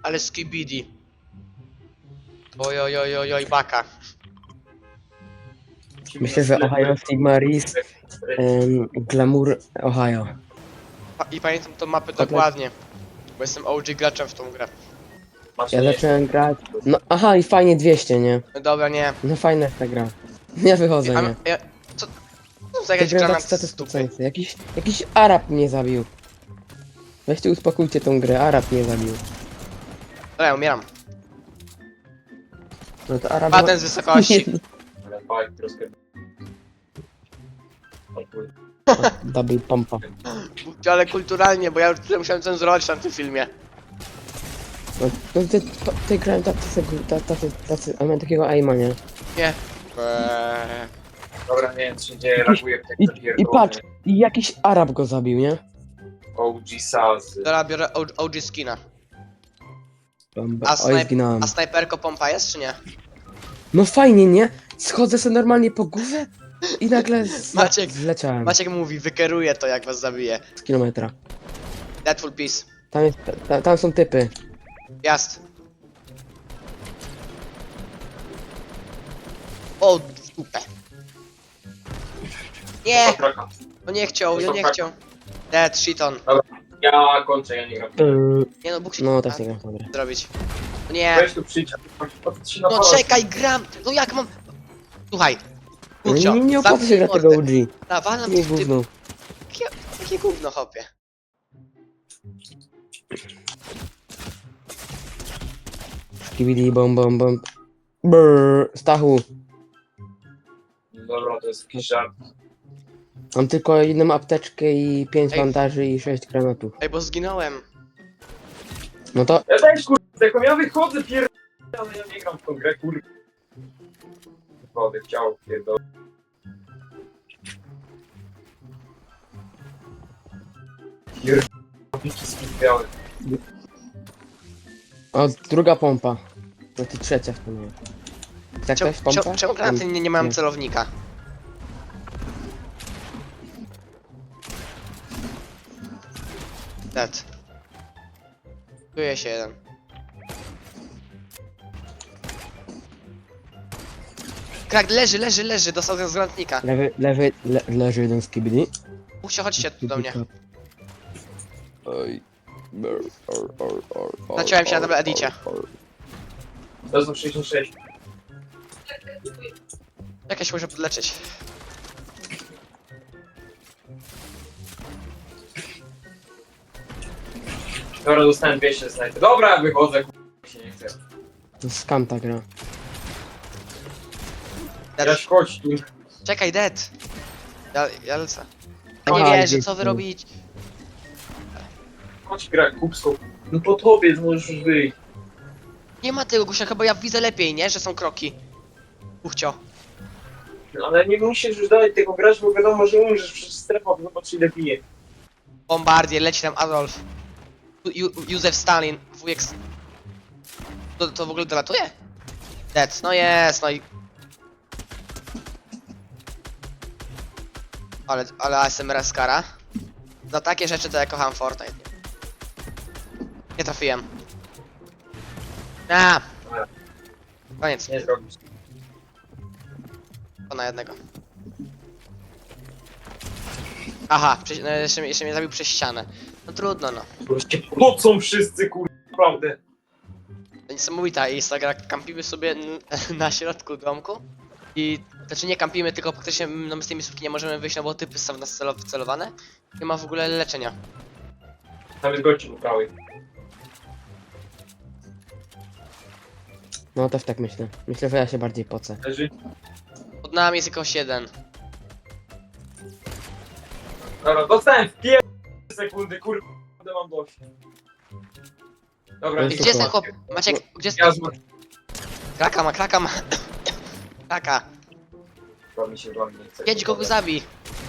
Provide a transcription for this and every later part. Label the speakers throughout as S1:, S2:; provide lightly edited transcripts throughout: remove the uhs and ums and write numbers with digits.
S1: Ale skibidi. Oj, oj, oj, oj, oj, baka.
S2: Myślę, że Ohio Sigmaris, Glamour Ohio.
S1: I pamiętam tą mapę
S2: Kotlet.
S1: dokładnie. Bo jestem OG graczem w tą grę.
S2: Ja zacząłem grać. No aha, i fajnie 200, nie?
S1: No dobra, nie.
S2: No fajna jest ta gra. Ja wychodzę, nie?
S1: Co za jakaś
S2: Te
S1: granat
S2: granaty
S1: z dupy?
S2: satysfakcjonujące. Jakiś Arab mnie zabił. Weźcie uspokójcie tą grę, Arab mnie zabił.
S1: Dobra, ja umieram.
S2: No to Arab...
S1: Patent z wysokości.
S2: Double pompa.
S1: Ale kulturalnie, bo ja już tyle musiałem cenzurować na tym filmie.
S2: No ty grałem tacy, a miałem takiego aima, nie?
S1: Nie.
S3: Dobra, nie wiem co się dzieje, reaguję w
S2: I
S3: tak
S2: patrz, i jakiś Arab go zabił, nie?
S3: OG Sazy.
S1: Dobra, biorę OG skina.
S2: Bomba.
S1: A,
S2: Oj, zginąłem.
S1: a snajperko pompa jest czy nie?
S2: No fajnie, nie? Schodzę sobie normalnie po górze i nagle
S1: Maciek,
S2: zleciałem
S1: Maciek mówi, wykeruje to jak was zabije.
S2: z kilometra.
S1: Deadful Peace.
S2: Tam są typy.
S1: Jazd. O, w dupę. Nie, no nie chciał, ja nie chciał. Dead, shiton.
S3: Ja kończę, ja nie gram.
S1: Nie no, Bóg się
S2: No też nie gram w tą grę.
S1: zrobić. No nie,
S3: Weź tu przyjdź, patrz się na
S1: no
S3: palec.
S1: czekaj, gram. No jak mam... Słuchaj.
S2: No
S1: Kurcio,
S2: nie opłaca się grać tego OG.
S1: Nawalam
S2: Nie
S1: w tym...
S2: gówno.
S1: Jakie gówno, hopie.
S2: Skibidi bom bom bom. Brrr, Stachu.
S3: Dobra, to jest jakiś żart.
S2: Mam tylko jedną apteczkę i 5
S1: Ej.
S2: bandaży i 6 granatów.
S1: Ej, bo zginąłem.
S2: No to
S3: Ja też kurde, jako ja wychodzę ale ja nie gram w tą grę, kurde. Wychodzę, chciał, pierdolę. Pierdolę, spispiały.
S2: o, druga pompa. No to trzecia w tym. Tak
S1: Czemu,
S2: też pompa?
S1: czemu granaty nie mają
S2: Nie.
S1: celownika? Dead. Czuję się jeden. Krak, leży, dostał z granatnika.
S2: Leży jeden skibidi.
S1: Mówcie, chodźcie tu do mnie.
S2: Oj.
S1: Zaciąłem się na double edicie.
S3: To są 66.
S1: Jak ja się muszę podleczyć?
S3: Dobra, dostałem 200 snajpy. Dobra, wychodzę, kurde, się nie chcę.
S2: To jest skam ta gra.
S1: Dead.
S3: Ja chodź tu.
S1: Czekaj, dead. Ja lecę. Ja
S2: Aha,
S1: nie wierzę,
S2: dzięki.
S1: co wy robicie?
S3: Chodź gra kupską. No po tobie możesz już wyjść.
S1: Nie ma tego gusia, bo ja widzę lepiej, nie? Że są kroki. Uchcio.
S3: No, ale nie musisz już dalej tego grać, bo wiadomo, że umrzesz przez strefę, zobacz ile bije.
S1: Bombardier, leci tam Adolf. Józef Stalin, wujek... To w ogóle dolatuje? Dead, no jest, no i... Ale ASMR skara. Za takie rzeczy to ja kocham Fortnite. Nie trafiłem. A, koniec,
S3: Nie zrobisz.
S1: to na jednego. Aha, no jeszcze mnie zabił przez ścianę. No trudno, no.
S3: Wreszcie pocą wszyscy, kurde, naprawdę.
S1: Niesamowita jest ta gra, kampimy sobie na środku domku i znaczy nie kampimy, tylko praktycznie no, my z tej miejscówki nie możemy wyjść, no bo typy są w nas wcelowane. Nie ma w ogóle leczenia.
S3: Tam jest gości po prawej.
S2: No też tak myślę. Myślę, że ja się bardziej pocę.
S3: Leży.
S1: Pod nami jest jakoś jeden.
S3: Dobra, dostałem w sekundy, kurde, mam dość. Dobra,
S2: To
S1: I
S2: jest
S1: gdzie jest ten
S2: super.
S1: chłop? Maciek, gdzie jest
S3: Ja
S1: ten...
S3: zmarł.
S1: Kraka ma. Kraka.
S3: Chyba mi się wam nie chce.
S1: Jedź go zabij.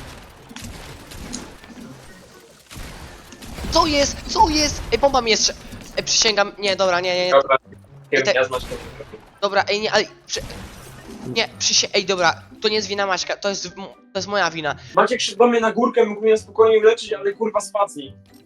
S1: Co jest? Co jest? Ej, bomba mi jest... Ej, przysięgam, nie, dobra, nie.
S3: Dobra,
S1: I te-
S3: ja zmasz to.
S1: Dobra, ej, nie, ale... Nie, ej, dobra, to nie jest wina Maćka, to jest moja wina.
S3: Maciek szedł do mnie na górkę, mógł mnie spokojnie uleczyć, ale kurwa spacnij.